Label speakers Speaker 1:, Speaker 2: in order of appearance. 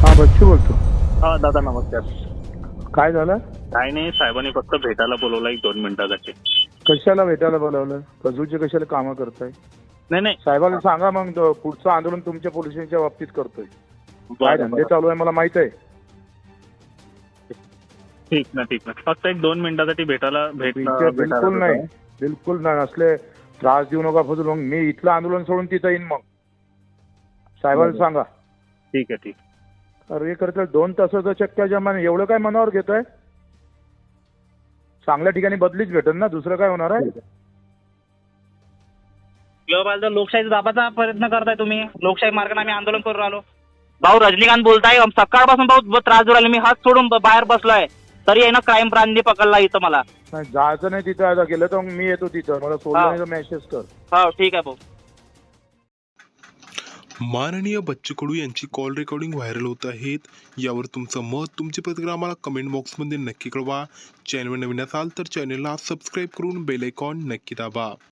Speaker 1: हा बच्चू बोलतो.
Speaker 2: हा दादा नमस्कार.
Speaker 1: काय झालं?
Speaker 2: काय नाही, साहेबांनी फक्त भेटायला बोलवलं 1-2 मिनिटासाठी.
Speaker 1: कशाला भेटायला बोलावलं? कजूचे कशाला कामं करताय?
Speaker 2: नाही नाही.
Speaker 1: साहेबाला सांगा मग पुढचं आंदोलन तुमच्या पोलिसांच्या बाबतीत करतोय. काय
Speaker 2: बरं
Speaker 1: धंदे
Speaker 2: बरं,
Speaker 1: चालू आहे मला माहित आहे.
Speaker 2: ठीक ना ठीक ना. फक्त 1-2 मिनिटासाठी
Speaker 1: बिलकुल नाही, बिलकुल नाही. असले त्रास देऊ नका फजूल. मग मी इथलं आंदोलन सोडून तिथं येईन. मग साहेबाला
Speaker 2: बरं.
Speaker 1: सांगा.
Speaker 2: ठीक आहे ठीक.
Speaker 1: अरे करता 2 तासाचं चक्क्या जमान एवढं काय मनावर घेताय? चांगल्या ठिकाणी बदलीच भेटेल ना, दुसरं काय होणार आहे?
Speaker 3: किंवा लोकशाही दाबाचा प्रयत्न करताय तुम्ही. लोकशाही मार्गाने आम्ही आंदोलन करून राहिलो. भाऊ रजनीकांत बोलताय. सकाळपासून भाऊ त्रास देऊ राहिले. मी हात सोडून बाहेर बसलोय, तरी आहे ना क्राईम ब्रांचने पकडला इथं मला.
Speaker 1: नाही, जायचं नाही तिथं. आता गेलं तर मग मी येतो तिथं. मला सोडलं नाही तर मेसेज कर.
Speaker 3: हो ठीक आहे भाऊ.
Speaker 4: माननीय बच्चू कडू यांची कॉल रेकॉर्डिंग व्हायरल होत आहेत. यावर तुमचं मत, तुमची प्रतिक्रिया आम्हाला कमेंट बॉक्समध्ये नक्की कळवा. चॅनलवर नवीन असाल तर चॅनलला सबस्क्राईब करून बेल आयकॉन नक्की दाबा.